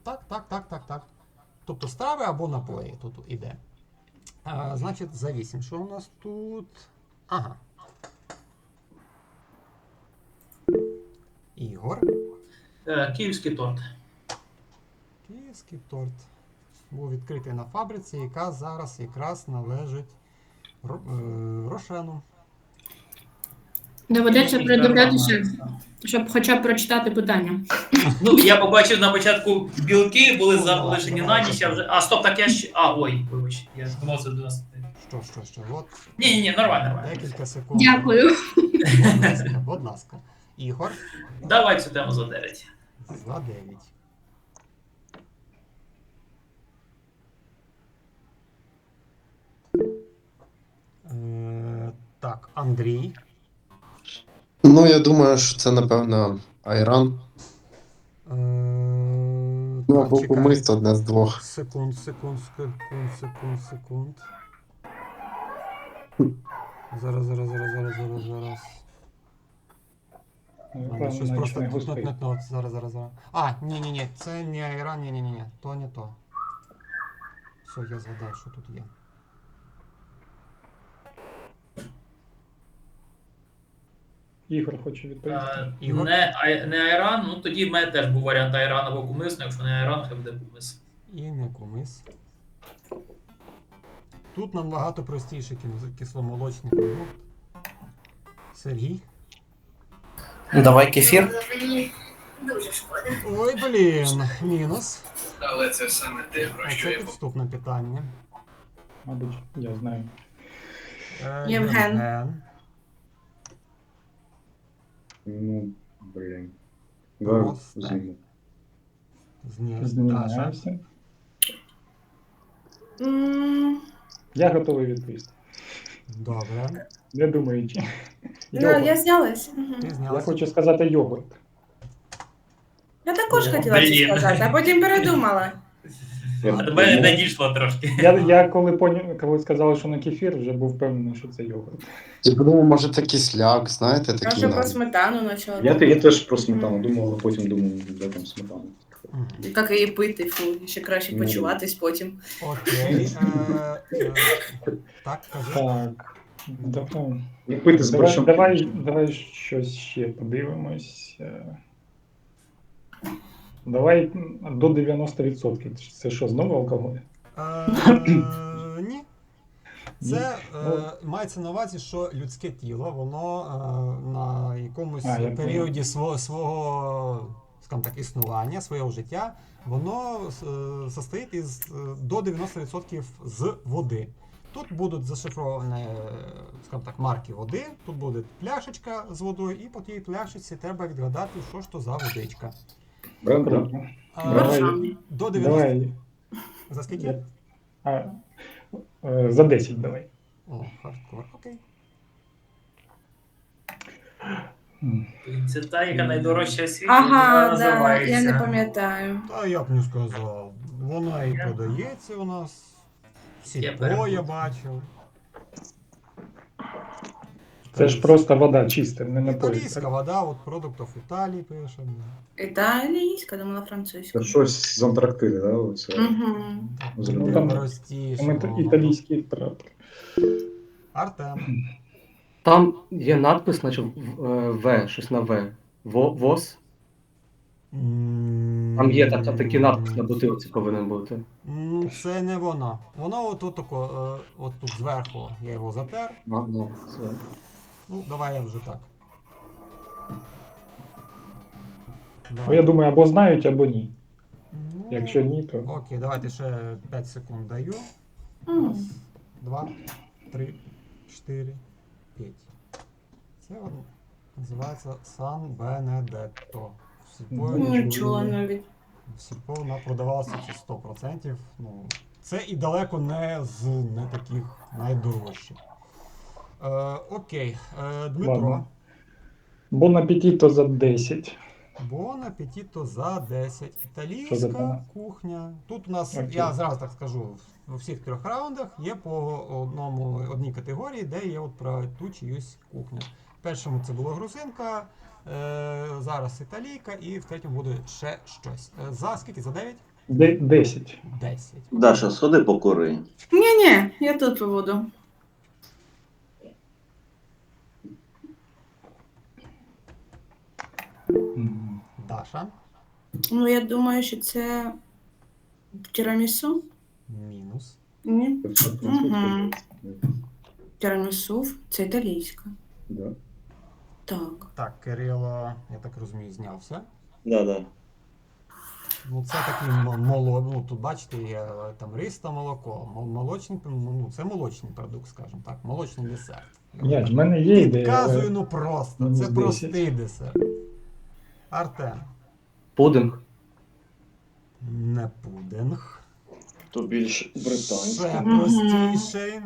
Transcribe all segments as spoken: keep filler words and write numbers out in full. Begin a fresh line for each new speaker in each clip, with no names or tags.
Так, так, так, так, так. Тобто страви або напої тут іде. А, значить, за вісім. Що у нас тут? Ага. Ігор.
Е, Київський торт.
Київський торт. Був відкритий на фабриці, яка зараз якраз належить Ро- е, Рошену.
Доведеться
Київський
придивлятися,
торт.
щоб хоча б прочитати питання.
Ну, я побачив на початку білки, були
Ну, давай,
залишені
давай,
на ніч, а
давай.
вже. А, стоп, так я ще. А, ой, вибач, я думав, це до нас.
Що, що, що? От
Ні, ні, ні, нормально, нормально.
декілька секунд.
Дякую.
Будь ласка, будь ласка. Ігор.
Давай цю тему за дев'ять.
За дев'ять. Е, так, Андрій.
Ну, я думаю, що це, напевно, айран.
Е,
Ну,
так,
або
чекай.
кумис, одне з двох.
Секунд, секунд, секунд, секунд, секунд. Зараз, зараз, зараз, зараз, зараз, зараз. Надо щось просто
не
тут,
густий.
тут, тут, зараз, зараз, зараз. А, ні, ні, ні, це не айран, ні, ні, ні, ні, то не то. Все, я згадав, що тут є.
Ігор хоче відповісти.
Е,
Ігор?
Не, ай- не айран, ну тоді в мене теж був варіант айран або кумис, ну якщо не айран, хай буде кумис.
І не кумис. Тут набагато простіший кис- кисломолочний продукт. Сергій.
Давай кефір.
Мені дуже шкода.
Ой, блін, мінус.
Але це саме те, про
А це підступне питання.
Мабуть, я знаю.
Е,
Євген.
Євген.
Ну, блин.
Просто.
Зиму.
Зні... Даша.
Змінюємося.
М,
Я готовий відповісти.
Добре.
Не думаючи.
Ну,
Йогурт.
я знялась. Мгм.
Ти
Я
знялася.
хочу сказати йогурт.
Я також
О,
хотіла це
блін.
сказати, а потім передумала.
А до мене не дійшло трошки.
Я, я коли поняв, коли сказали, що на кефір, вже був впевнений, що це йогурт.
Я подумав, може, це кисляк, знаєте,
Я
такий
вже про
навіть.
сметану почала.
Я, я теж про сметану думав, але потім думав, де там сметана.
Мгм.
Як її пити, фу, ще краще
Ну,
почуватись потім.
Окей. Е, е, так, кажи.
Так. Давай,
І пити з
давай,
борщом.
давай, давай щось ще подивимось. Е, Давай до дев'яносто відсотків. Це що, знову алкоголь?
Е, ні. Це
Ну.
е, мається на увазі, що людське тіло, воно е, на якомусь
А, я
періоді свого, свого скажімо так, існування, свого життя, воно е, состоїть із е, до дев'яносто відсотків з води. Тут будуть зашифровані, е, скажімо так, марки води, тут буде пляшечка з водою, і по тій пляшечці треба відгадати, що ж то за водичка.
Бренд, да?
Круто.
А,
Давай.
до дев'яносто...
Давай.
За скільки?
Я- А, е, за десять давай.
О, хардкор, окей.
М.
Це та, яка найдорожча у світі,
Ага,
вона
да,
називається.
я не пам'ятаю.
Та я б не сказав. Вона і подається у нас.
Я
Сільпо
перепутав.
я бачив.
Це ж просто вода чиста, не напої.
Італійська вода, от продуктів Італії пише.
Італійська, думала французька.
Це щось з Антарктиди, да? Оце.
Угу.
З
Ну,
людей.
там-
Простіше.
Там іта- італійський прапор.
Артем.
Там є надпис, наче в- е, В, щось на В. Во- ВОЗ. Там є така, такий надпис на бутилці повинен бути.
М, Це не воно. Воно отут тако, е, от тут зверху я його затер.
А, ну, це.
Ну, давай я вже так.
Ну, я думаю, або знають, або ні.
Ну,
Якщо ні, то
Окей, давайте ще п'ять секунд даю.
М.
Раз, два, три, чотири, п'ять. Це от називається Сан Бенедетто. В Сільпо-
Не чула навіть.
в Сільпо вона продавалася це сто відсотків. Ну, це і далеко не з не таких найдорожчих. Е, окей, е, Дмитро.
Ладно. Бон апетіто за десять.
Бон апетіто за десять.
Що за
Італійська
тема?
кухня. Тут у нас,
Окей.
я зразу так скажу, у всіх трьох раундах є по одному, одній категорії, де є от про ту чиюсь кухню. В першому це була грузинка, е, зараз італійка, і в третьому буде ще щось. Е, за скільки? За дев'ять?
Де- десять.
десять.
Даша, сходи покури.
Ні-ні, я тут побуду.
М.
Даша.
Ну, я думаю, що це тірамісу.
Мінус.
Ні.
Це французька.
Тірамісу це італійська.
Да.
Так.
Так, Кирило, я так розумію, знявся.
Да, да.
Ну, це такий м- моло, ну тут бачите, є е, там рис та молоко. Мол- Молочний, ну це молочний продукт, скажімо так, молочний десерт.
Ні, в мене є ідея.
Підказую,
але-
ну просто.
мінус
Це
десять.
простий десерт. Артем.
Пудинг.
Не пудинг.
То більш британська.
Ще
Мгм.
простіший.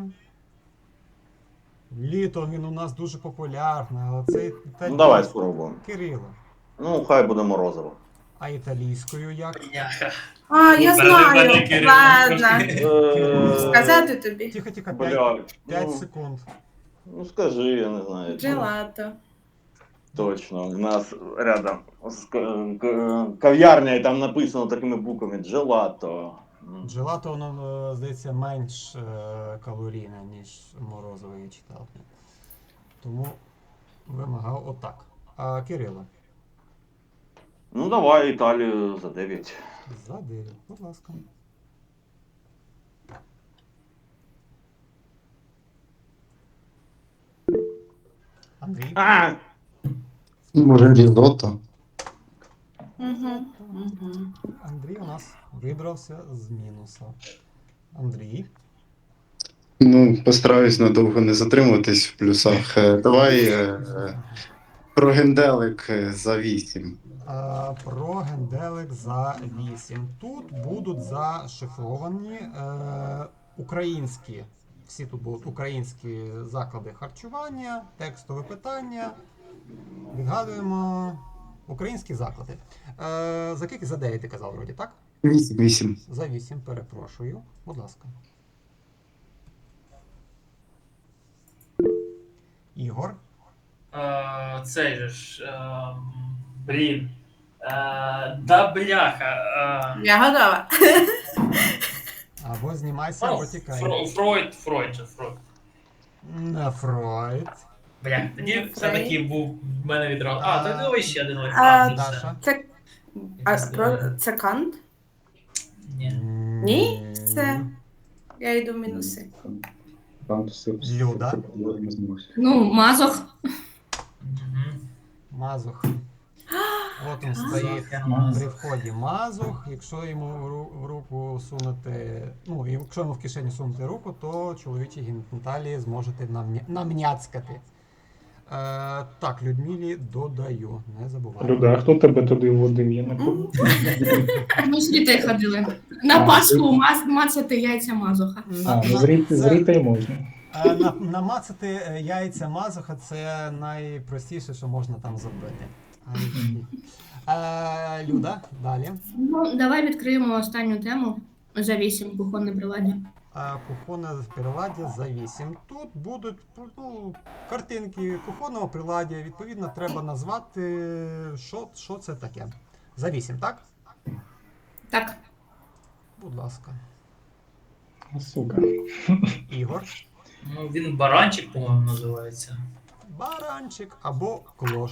Літом він у нас дуже популярний, але це
Ну
італійський.
давай спробуємо.
Кирило.
Ну, хай буде морозиво.
А італійською як?
Бляха.
А, я
Мене-
знаю.
мене Кирило
Ладно.
Е,
Сказати тобі.
Тихо, тихо,
Бля,
п'ять
ну,
секунд.
ну скажи, я не знаю.
Джелато.
Точно, у нас рядом з к- к- кав'ярня, і там написано такими буквами джелато. М.
Джелато, воно, е, здається, менш е, калорійне, ніж морозиво я читав. Тому вимагав отак. А Кирило,
Ну давай Італію за дев'ять.
за дев'ять, будь ласка. Андрій.
А!
Може, різотто?
Угу. Угу.
Андрій у нас вибрався з мінуса. Андрій.
Ну, постараюсь надовго не затримуватись в плюсах. Е, Давай е, е, про генделик е, за вісім.
А, про генделик за вісім. Тут будуть зашифровані е, українські. Всі тут будуть українські заклади харчування, текстове питання. Відгадуємо українські заклади. Е, за скільки? За дев'ять ти казав, вроді, так?
Вісім, вісім.
За вісім, перепрошую. Будь ласка. Ігор.
Е, Цей же ж. е, Блін. Е, Да бляха. е,
Я готова.
Або знімайся,
ну,
або тікай.
Фро- Фройд, Фройд же, Фройд.
Не Фройд.
Бля, тоді
Ну,
все-таки був в мене відразу. А, то давай ще один.
А,
А, ну, все.
Даша.
Це, а, про, це кант?
Ні.
Ні? Все. Я йду в мінуси.
Там все.
Люда.
Ну, Мазох.
Мгм.
Мазух. От він стоїть при вході Мазух. Якщо йому в ру- в руку сунути, ну, і якщо йому в кишеню сунути руку, то чоловічі геніталії зможете намня- намняцкати. Е, так, Людмилі додаю, не забувайте.
Люда, а хто тебе туди вводив? Я не пам'ятаю.
Ми з дітей ходили. На Пасху маз, мацати яйця Мазоха.
На-
А,
на-
ну, зріти,
це-
зріти й можна.
е, на- намацати е, яйця Мазуха це найпростіше, що можна там зробити. Ай. Е, Люда, далі.
Ну, давай відкриємо останню тему за вісім кухонне приладдя.
А, кухонне приладдя за вісім. Тут будуть ну, картинки кухонного приладдя. Відповідно, треба назвати, що, що це таке. За вісім, так?
Так.
Будь ласка.
А, сука.
Ігор.
Ну, він баранчик, по-моєму, називається.
Баранчик або клош.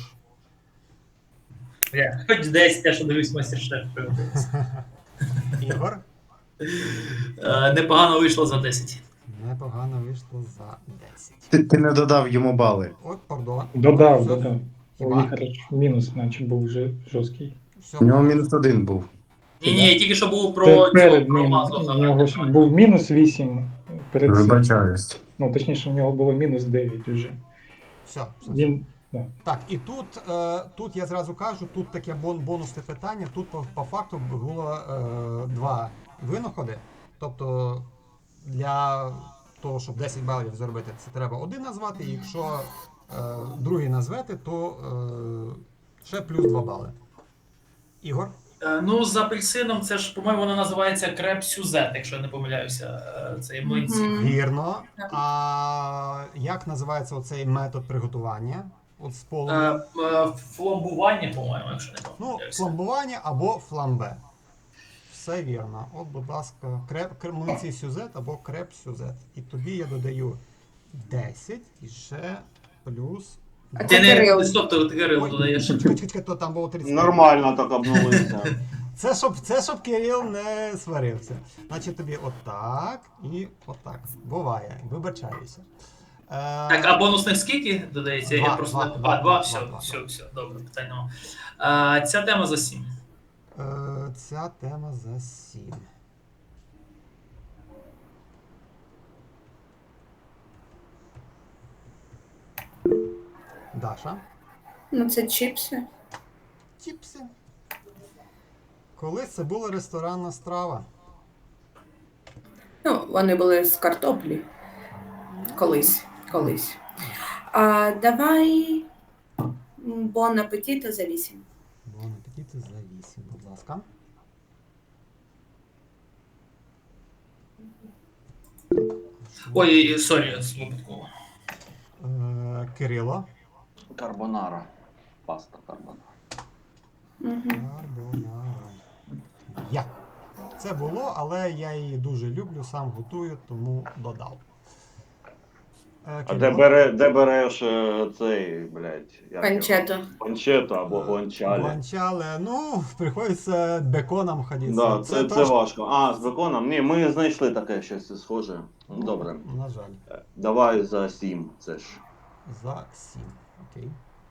Бля, хоч десь те, що дивись майстер-шеф. пригодиться.
Ігор.
Е, Непогано вийшло за десять.
Непогано вийшло за десять.
Ти, ти не додав йому бали.
От, пардон.
Додав,
Все.
додав.
Хіба?
Ой, хорошо. Мінус, наче був вже жорсткий.
Все.
У нього мінус один був.
Ні, ні, тільки що було про
Це
цього,
перед
про
ним.
Мазуха.
У нього ж був мінус вісім перед цим.
Вибачаюсь.
Ну, точніше, у нього було мінус дев'ять вже.
Все, все.
Він,
Так, і тут, е, тут я зразу кажу, тут таке бон, бонусне питання. Тут по, по факту було е, два винаходи. Тобто для того, щоб десять балів зробити, це треба один назвати. І якщо е, другий назвете, то е, ще плюс два бали. Ігор?
Е, Ну, з апельсином це ж, по-моєму, воно називається креп сюзет, якщо я не помиляюся. Е, Це є млинці.
Мгм.
Вірно. А як називається оцей метод приготування? От з
Е,
полум'я?
е, Фламбування, по-моєму, якщо не
Ну,
помиляюся.
фламбування або фламбе. все вірно. От, будь ласка, креп, крем, млинці сюзет або креп сюзет. І тобі я додаю десять і ще плюс.
А
два.
Ти
це
не
Кирил.
стоп, ти Кирил
Ой,
додаєш.
чекай, чекай, чекай, то там було тридцять.
Нормально так обнулися.
Це щоб, це щоб Кирил не сварився. Значить тобі отак і отак. Буває. Вибачаюся. Е,
Так, а бонусних скільки додається? Я
Два,
просто
два,
не-
два,
а,
два,
два, все,
два, два.
все, все, добре, питань нема. А, ця тема за сім.
е, ця тема за сім. Даша.
Ну, це чіпси.
Чіпси. Колись це була ресторанна страва.
Ну, вони були з картоплі. Колись. Колись. А, давай бон апетіто за вісім.
Бон апетиту за вісім, будь ласка.
Ой, сорі, випадково.
Е, Кирило.
Карбонара. Паста карбонара.
Угу.
Карбонара. Я. Це було, але я її дуже люблю, сам готую, тому додав. Е,
А де,
Кирило.
бере, де береш е, цей, блядь, як його?
Панчето.
Панчетто або гуанчалі.
Гуанчале, ну, приходиться беконом ходити.
Да, це, це
трошки-
важко. А, з беконом? Ні, ми знайшли таке щось схоже. Ну, добре.
На жаль.
Е, Давай за сім, це ж.
За сім. Окей.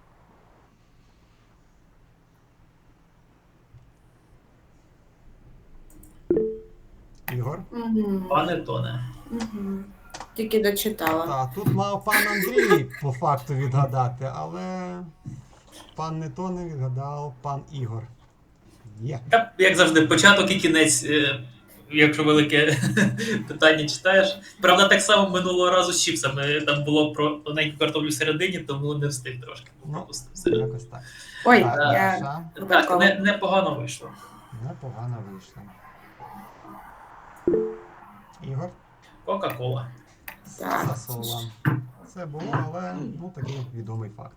Ігор.
Угу.
Пане Тоне.
Угу. Тільки дочитала.
Так, тут мав пан Андрій по факту відгадати, але пан не то не відгадав, пан Ігор. Є.
Та, як завжди, початок і кінець, е, якщо велике питання читаєш. Правда, так само минулого разу з чіпсами. Там було про тоненьку картоплю всередині, тому не встиг трошки.
Ну,
Пропустив середину.
Якось так.
Ой,
Так,
я...
Даша.
Так, не, непогано вийшло.
Непогано вийшло. Ігор.
Кока-кола.
Так.
Сасола. Це було, але ну такий відомий факт.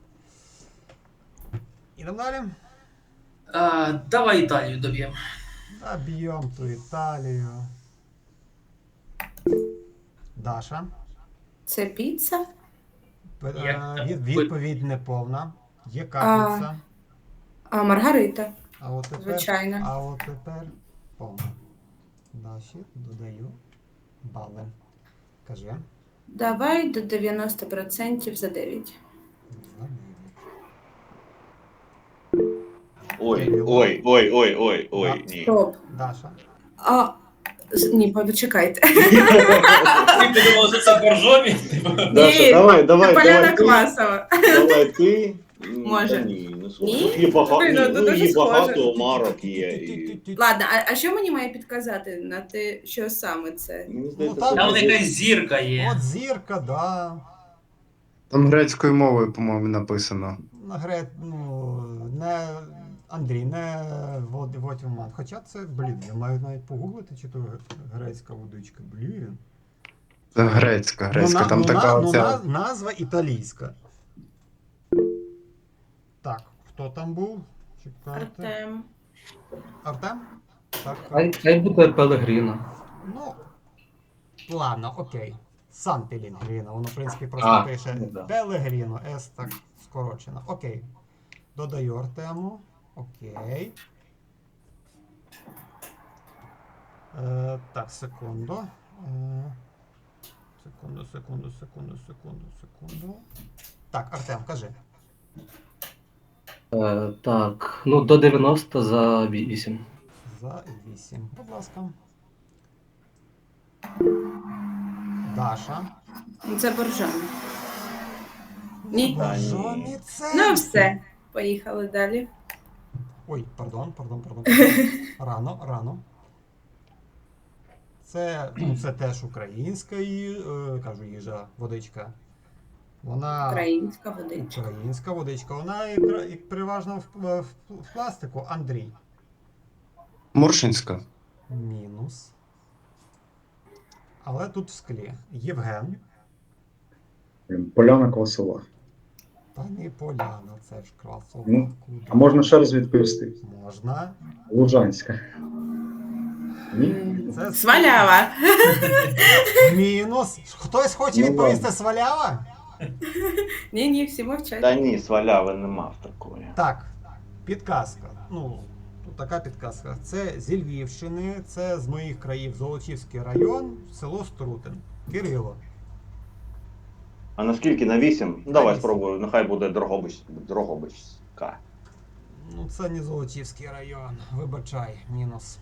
Ідемо далі.
А, давай Італію доб'ємо.
Заб'ємо ту Італію. Даша.
Це піца?
П-
Як
е,
там?
від- Відповідь неповна. Є капельця.
А, Маргарита.
А от тепер,
Звичайно.
а от тепер повна. Даші додаю бали. Кажи.
Давай до дев'яносто відсотків за дев'ять.
За дев'ять.
Ой, ой, ой, ой, ой, ой, ні.
Стоп.
Даша.
А, з- ні, почекайте.
Ти подумав, що це боржомі?
Даша, давай, давай,
Поляна
давай ти,
Квасова.
давай ти. М,
Може.
та Ні, не схоже.
Ні?
Тут є багато,
Блін, ну,
ні,
то
ну,
дуже
і багато
схоже.
марок є. І...
Ладно, а, а що мені має підказати на те, що саме це?
Мені
Ну,
здається,
там
це
Там
буде-
якась зірка є.
От зірка, да.
Там грецькою мовою, по-моєму, написано.
На гре, ну, не Андрій, не Вод- Вотівман. Хоча це, блін, я маю навіть погуглити, чи то грецька водичка. Блін.
Це грецька, грецька.
Ну, на-
Там
ну,
така
на- ну,
оця.
на- назва італійська. Так, хто там був? Чекайте.
Артем.
Артем? Так.
Хай, хай буде Пелегріно.
Ну, ладно, окей. Сан Пелегріно. Воно, в принципі, просто
А,
пише
ну да.
Пелегріно. С так скорочено. Окей. Додаю Артему. Окей. Е, так, секунду. Е, секунду, секунду, секунду, секунду, секунду. Так, Артем, кажи.
Е, так, ну до дев'яносто за вісім.
За вісім. Будь ласка. Даша.
Ну, це боржан. Ні.
Бажані це.
Ну все. Поїхали далі.
Ой, пардон, пардон, пардон. Рано, рано. Це, ну, це теж українська ї- е, кажу, їжа, водичка. Вона
Українська водичка.
українська водичка. Вона і, пр- і переважно в, в, в пластику. Андрій.
Моршинська.
Мінус. Але тут в склі. Євген.
Блін, Поляна Квасова.
Та не Поляна, це ж красова.
Ну,
Куди?
А можна ще раз відповісти?
Можна.
Лужанська. Ні?
Це
Свалява.
мінус. Хтось хоче
Ну,
відповісти
ладно.
свалява?
Ні, ні, всі мовчать.
Та ні, сваляви нема в такої.
Так, підказка. Ну, тут така підказка. Це зі Львівщини, це з моїх країв Золочівський район, село Струтин. Кирило.
А наскільки на вісім? Ну, давай
вісім.
спробую, нехай буде Дрогобич, Дрогобичська.
Ну, це не Золочівський район. Вибачай, мінус.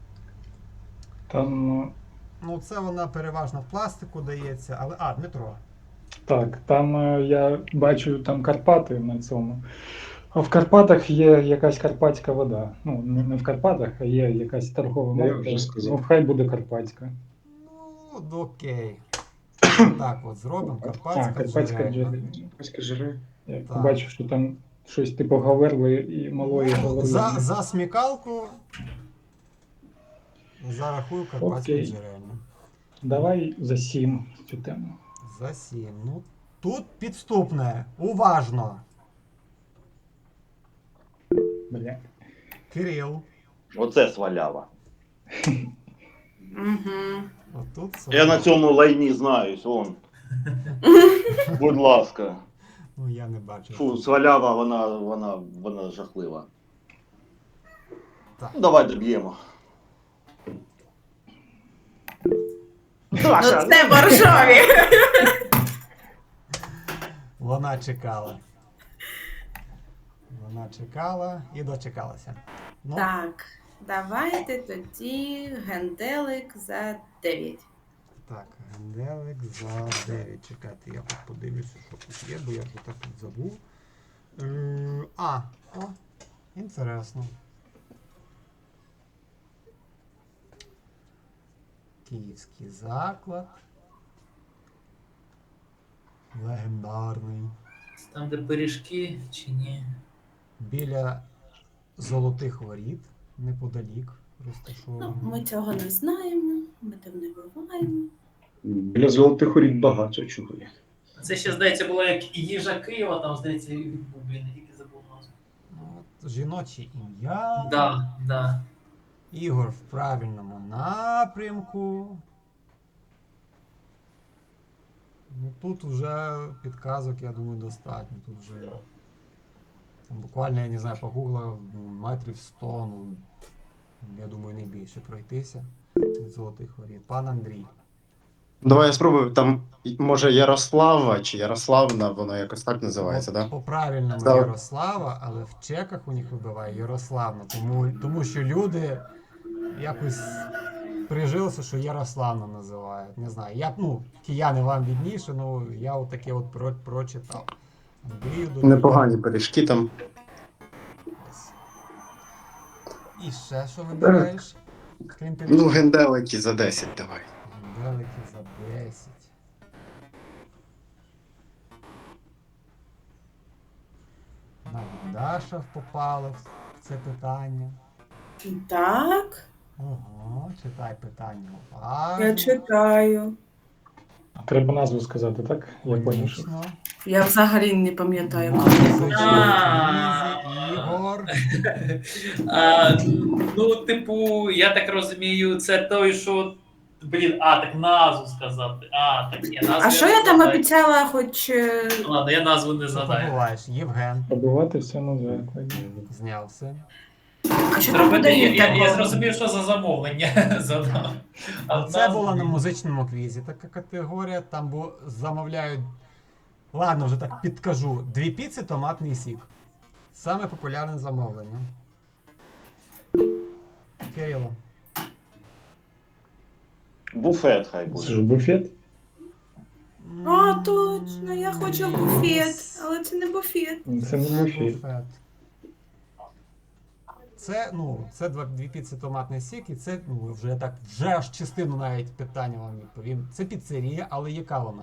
Там, ну,
Ну, це вона переважно в пластику дається, але. А, Дмитро.
так, там е, я бачу там Карпати на цьому. А в Карпатах є якась карпатська вода. Ну, не не в Карпатах, а є якась торгова
Я
марка.
вже сказав.
Ну, хай буде карпатська.
Ну, окей. Так, от зробимо.
А,
Карпатська
карпатська
джерельна.
джерельна.
Ось жири.
Я
Так.
бачив, що там щось типу Гаверли і малої Гаверли.
За, за смікалку зарахую Карпатську
Окей.
джерельну.
Давай за сім цю тему.
За сім. Ну, тут підступне. Уважно.
Бля.
Кирил.
Оце свалява.
Угу.
Отут
Я на цьому лайні знаюсь, вон. Будь ласка.
Ну, я не бачу.
Фу, свалява, вона, вона, вона жахлива.
Так.
Ну, давай доб'ємо.
Ну, це боржові.
Вона чекала. Вона чекала і дочекалася. Ну,
Так, давайте тоді генделик за дев'ять.
так, генделик за дев'ять. Чекайте, я тут подивлюся, що тут є, бо я вже так тут забув. Е, А, о, інтересно. Київський заклад. Легендарний.
Там, де пиріжки, чи ні?
Біля Золотих Воріт, неподалік
Ну,
розташований.
ми цього не знаємо, ми там не буваємо.
Біля золотих воріт багато чого є.
Це ще, здається, було як і їжа Києва, там, здається, від Бублі, не тільки забув назву.
Ну, от, жіноче ім'я.
Да, да.
Ігор в правильному напрямку. Ну, тут вже підказок, я думаю, достатньо. Тут вже там, буквально, я не знаю, погуглив ну, метрів сто, ну, я думаю, не більше пройтися від Золотих Воріт. Пан Андрій.
Давай я спробую. Там, може, Ярослава чи Ярославна, воно якось так називається,
От
так? Да?
По правильному
Так.
Ярослава, але в чеках у них вибиває Ярославна. Тому, тому що люди якось прижилися, що Ярославна називають. Не знаю. Я, ну, кияни вам відніше, ну я от таке от про, прочитав. Андрію до
Непогані пиріжки там.
І ще що вибираєш? Крім
Ну,
пиріжків?
генделики за десять давай.
Генделики за десять. Навіть Даша попала в це питання.
Так,
Ого, читай питання уважно.
я читаю.
Треба назву сказати, так? Я поняв, що.
Логічно.
Я взагалі не пам'ятаю.
А.
Ігор.
А, ну, типу, я так розумію, це той, що. Блін, а, так назву сказати. А, так я назву.
А що
не
я там
згадаю.
обіцяла, хоч. е,
Ладно, я назву не
Що
згадаю.
побуваєш? Євген
Побувати все назве. Так.
знявся.
А що там
Зробити,
буде
я, я, я
такого?
зрозумів, що за замовлення задав. А
Це
назву
була на
ні.
музичному квізі така категорія. Там бу- замовляють. Ладно, вже так підкажу. Дві піци, томатний сік. Саме популярне замовлення. Кирило.
Буфет хай
Це
буде.
ж буфет.
А, точно, я хочу буфет, але це не буфет.
Це не буфет.
Буфет. Це, ну, це два, дві піци, томатний сік, і це, ну, вже так, вже аж частину навіть питання вам відповім. Це піцерія, але яка вона?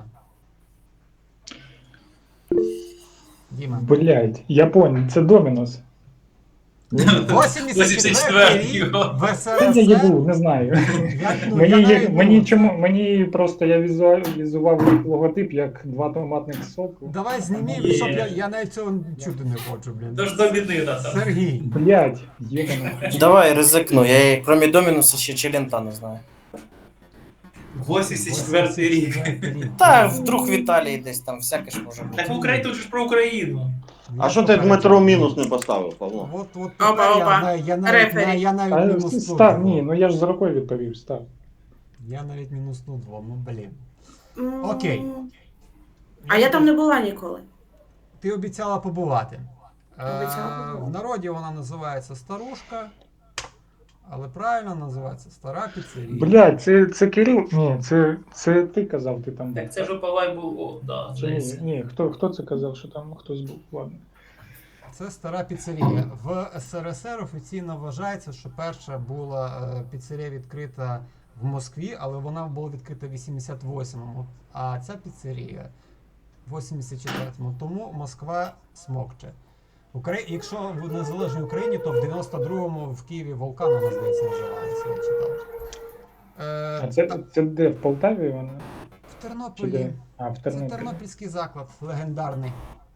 Діма.
Блять, я понял, це Домінос.
вісімдесят четвертий рік в
Це я їбу,
СРСР.
не знаю.
Я, ну,
Мені,
я
є-
навіть,
мені,
ну,
чому, мені просто я візуалізував їх логотип як два томатних соку.
Давай знімі,
Ні.
щоб я, я навіть цього чути не хочу, блін.
Тож домінина там.
Сергій.
Блять, єбано.
Давай ризикну, я кроме Домінуса ще Челента не знаю.
вісімдесят четвертий рік.
Та вдруг в Італії десь там всяке ж може бути.
Так в Україні тут же ж про Україну.
А що ти Дмитро мінус не поставив, Павло?
От, от
Опа,
тепер я,
опа.
навіть- я навіть,
Рефері.
я, я навіть
А,
мінуснув.
став, ні,
його.
ну я ж з рукою відповів, став.
Я навіть мінуснув двом, ну блін.
М,
Окей.
А я там не була ніколи.
Ти обіцяла побувати.
Обіцяла
Е,
побувати.
в народі вона називається старушка, але правильно називається стара піцерія.
Блять, це, це Кирил? Ні, це, це ти казав, ти там був.
Так це ж у Павла був, о, да,
Чи ні,
здається.
ні, хто, хто це казав, що там хтось був? Ладно.
Це стара піцерія. В СРСР офіційно вважається, що перша була е, піцерія відкрита в Москві, але вона була відкрита в вісімдесят восьмому, а ця піцерія в вісімдесят четвертому. Тому Москва смокче. Украї... Якщо в незалежній Україні, то в дев'яносто другому в Києві Вулкан, вона, здається, називалася, я читав. Е,
А це,
та-
це де, в Полтаві вона?
в
Чи
Тернополі.
де? А, в
Це
Тернополі.
тернопільський заклад, легендарний.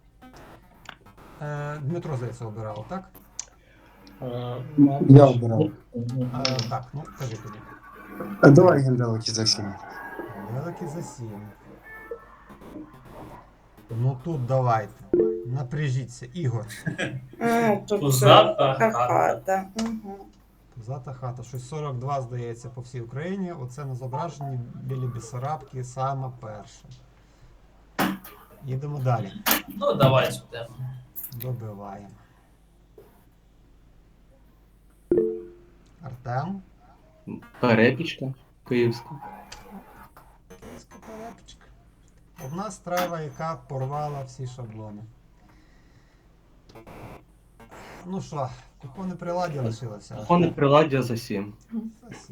Е, Дмитро, здається, обирав, так?
А,
Я обирав.
Ні, ні,
Е, так, ну кажи тоді.
А давай генделики за сім.
Великий за сім. Ну тут давайте. Напряжіться, Ігор.
А, тут
Пузата
це
хата.
хата. Угу.
Зата хата. Щось сорок два, здається, по всій Україні. Оце на зображенні біля Бісарабки саме перше. Їдемо далі.
Ну, давай сюди.
Добиваємо. Артем.
Перепічка київська.
Київська перепічка. Одна страва, яка порвала всі шаблони. Ну що, купони приладі лишилося.
Кухонне приладдя за сім.
За сім.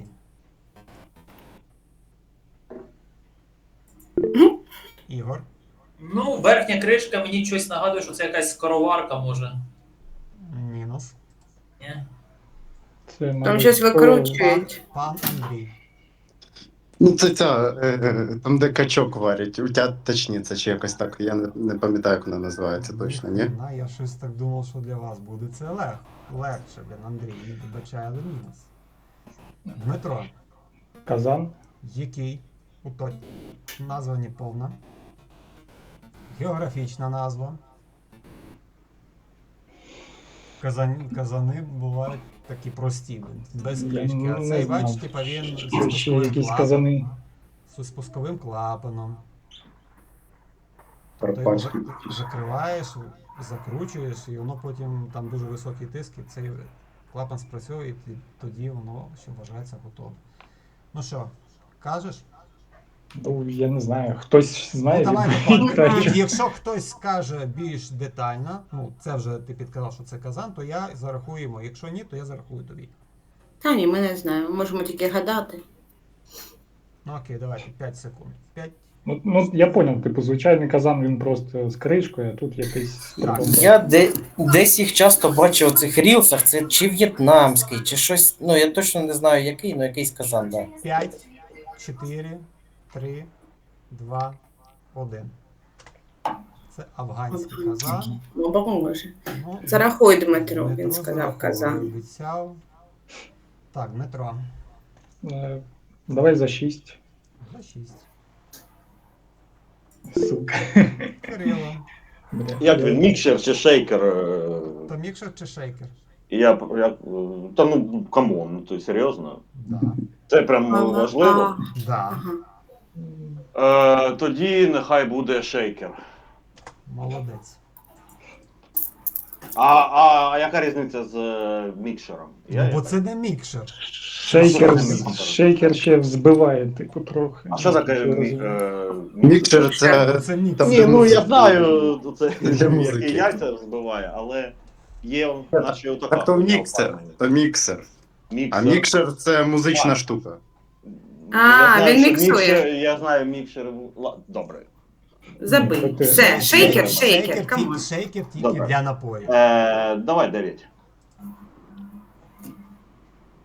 Ігор.
Ну, верхня кришка мені щось нагадує, що це якась скороварка може.
Мінус.
Ні?
Це,
Там
мабуть,
щось
по-
викручують.
Пан Андрій.
Ну, це ця, е, е, там, де качок варять, утяточниця чи якось так, я не, не пам'ятаю, як вона називається точно, ні?
На, я щось так думав, що для вас буде це лег. Легше, блін, Андрій, не вибачає, але мінус. Дмитро.
Казан.
Який? Уточ. Назва не повна. Географічна назва. Казан... Казани бувають такі прості, без
Я
кришки. А
не
цей,
знав.
бач, типа він зі
Ще
спусковим
якісь
клапаном.
казани.
Зі спусковим клапаном. Ти його
Карпатський.
зак- закриваєш, закручуєш, і воно потім там дуже високий тиск, і цей клапан спрацьовує, і ті- тоді воно ще вважається готове. Ну що, кажеш?
Ну, я не знаю, хтось знає.
Ну, давай,
від-
Микола,
краще.
якщо хтось скаже більш детально, ну це вже ти підказав, що це казан, то я зарахую йому. Якщо ні, то я зарахую тобі.
Та ні, ми не знаємо. Можемо тільки гадати.
Ну окей, давайте п'ять секунд. п'ять.
Ну, ну, я поняв, типу, звичайний казан, він просто з кришкою, а тут якийсь...
Так.
Я де, десь їх часто бачив у цих рілсах, це чи в'єтнамський, чи щось, ну я точно не знаю який, ну якийсь казан, да.
п'ять, чотири, три, два, один. Це афганський казан.
Ну, боже.
Ну,
Зарахуй, Дмитро, він
Дмитро
сказав
зараховує,
казан.
Обіцяв. Так, Дмитро.
Е, Давай за шість.
За шість.
Сука.
Кирило.
Бля.
Як він, мікшер чи шейкер? е,
То мікшер чи шейкер?
Я, я, та ну, камон, ну ти серйозно?
Да.
Це прям
Ага,
важливо.
ага,
Да.
ага.
Е, тоді нехай буде шейкер.
Молодець.
А, а, а яка різниця з е, мікшером? Я,
Ну, бо це не мікшер.
Шейкер,
А що таке?
шейкер ще взбиває, типу, трохи.
А що таке
Я
мі,
розумію.
е,
Мікшер це.
Це мікшер.
Там,
Ні,
де
ну я
музика.
знаю, це
Для музики.
які яйця збиває, але є наші отака.
Так то міксер. То міксер.
Міксер.
А мікшер це музична штука.
А,
Я знаю,
він
що
міксує.
мікшер- Я знаю мікшер. Ла- Добре.
Забий.
Ти-
Все, шейкер,
Шейкер,
шейкер, камон.
тільки- шейкер тільки
Добре.
для напою.
Е, давай дев'ять.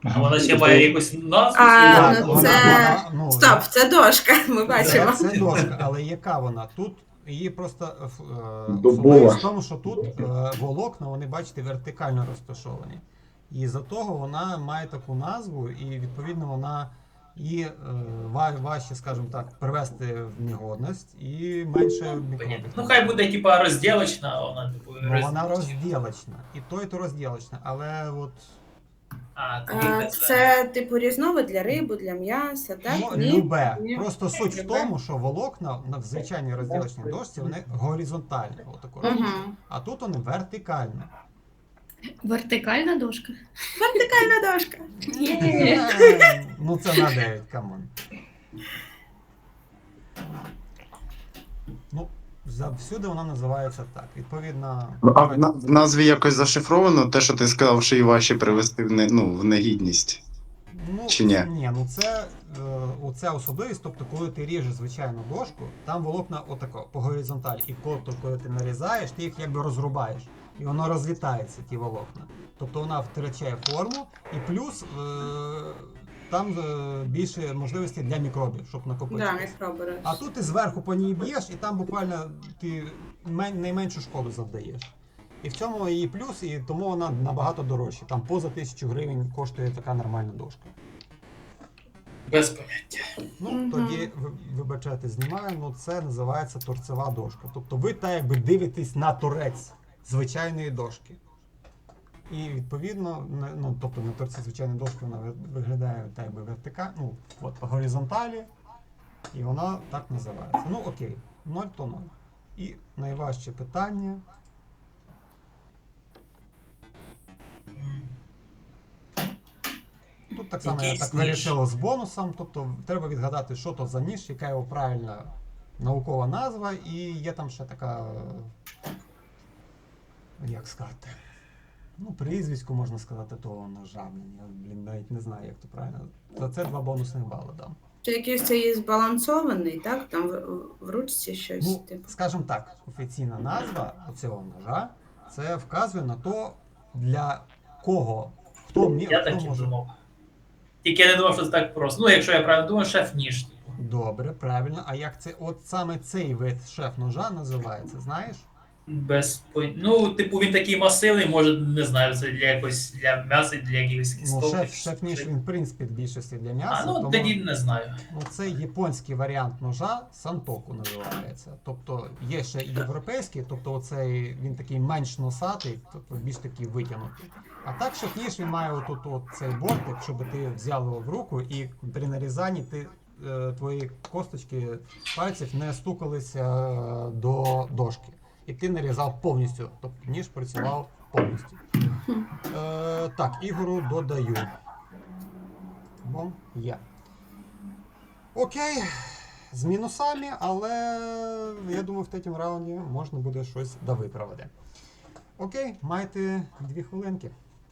А вона ще має якусь назву?
А,
свою?
ну,
вона-
це-
вона, ну,
Стоп, це дошка, ми бачимо.
Це, це дошка, але яка вона? Тут її просто е, ф- е,
Дубова.
особливість в тому, що тут е, волокна, вони, бачите, вертикально розташовані. І за того вона має таку назву, і відповідно вона і е, ва- важче, скажімо так, привести в негодність і менше мікробів.
Ну хай буде типа розділочна, а вона типу
Ну, вона
роз-
розділочна. І то, і то розділочна. Але от
А, тоді
А,
це.
це типу різновид для риби, для м'яса, так?
ну,
Ні?
любе.
Ні.
Просто суть в
Любе.
тому, що волокна на в звичайній розділочній дошці вони горизонтальні. Отако
Угу.
робляться. А тут вони вертикальні.
Вертикальна дошка.
Вертикальна дошка.
Е, Ну це на дев'ять, камон. Ну, завсюди вона називається так. Відповідно.
А в, на- в назві якось зашифровано те, що ти сказав, що і важче привести в, не, ну, в негідність.
Ну,
Чи ні?
Ні, ну це е, оця особливість, тобто коли ти ріжеш звичайну дошку, там волокна отако по горизонталі. І коли, коли ти нарізаєш, ти їх якби розрубаєш. І воно розлітається, ті волокна. Тобто вона втрачає форму, і плюс е, там е, більше можливостей для мікробів, щоб
Да,
накопичитися.
мікроби.
А тут ти зверху по ній б'єш, і там буквально ти мен- найменшу шкоду завдаєш. І в цьому її плюс, і тому вона набагато дорожча. Там поза тисячу гривень коштує така нормальна дошка.
Без поняття.
Ну,
Мгм.
тоді, ви- вибачайте, знімаю, ну це називається торцева дошка. Тобто ви так якби дивитесь на торець звичайної дошки. І відповідно, на- ну, тобто на торці звичайної дошки вона ви- виглядає так якби вертикально, ну, от по горизонталі, і вона так називається. Ну окей, ноль то ноль. І найважче питання. Тут так само я
Якийсь
так
ніж.
вирішив з бонусом, тобто треба відгадати, що то за ніж, яка його правильна наукова назва, і є там ще така, е, як сказати, ну, прізвисько можна сказати того ножа, блін, я, блін, навіть не знаю, як то правильно. За це два бонусних бали дам.
Це якийсь це є збалансований, так? Там в, в ручці щось,
Ну,
типу.
скажімо так, офіційна назва цього ножа, це вказує на то, для кого, хто, мі,
Я
хто
так і
може.
думав. Тільки я не думав, що це так просто. Ну, якщо я правильно думаю, шеф ніж. типу.
Добре, правильно. А як це, от саме цей вид шеф-ножа називається, знаєш?
Без пон- Ну, типу, він такий масивний, може, не знаю, це для якось для м'яса, для якихось
Ну,
кісток.
шеф, шеф-ніж, він, в принципі, в більшості для м'яса.
А, ну
тому,
тоді не знаю.
ну, це японський варіант ножа, сантоку називається. Тобто є ще і європейський, тобто оцей, він такий менш носатий, тобто більш такий витягнутий. А так шеф-ніж, він має отут от цей бортик, щоб ти взяв його в руку і при нарізанні ти, е, твої косточки пальців не стукалися е, до дошки. І ти нарізав повністю, тобто ніж працював повністю. Е, так, Ігору додаю. Бом, є. Окей, з мінусами, але я думаю, в третьому раунді можна буде щось довиправити. Окей, маєте дві хвилинки.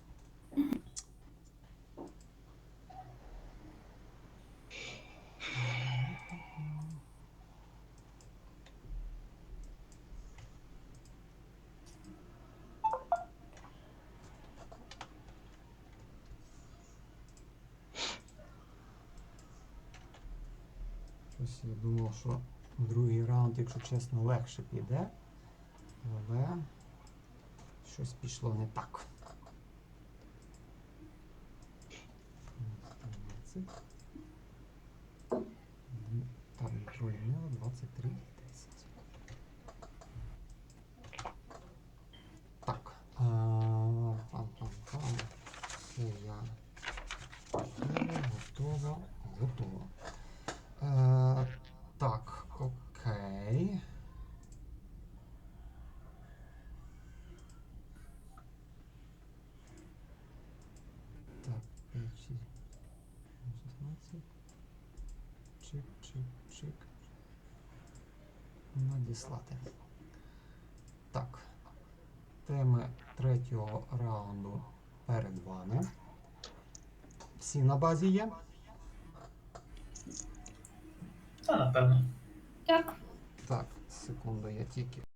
Щось я думав, що другий раунд, якщо чесно, легше піде. Але щось пішло не так. Так, пролінило двадцять три десять. Так. а, Пам-пам-пам. Все я. Готово, готово, готово. Е, так, окей. Так, п'ять, шість, шістнадцять. Чик, чик, чик. Надіслати. Так. Теми третього раунду перед вами. Всі на базі є?
Та, напевно.
Так.
Так, секунду, я тільки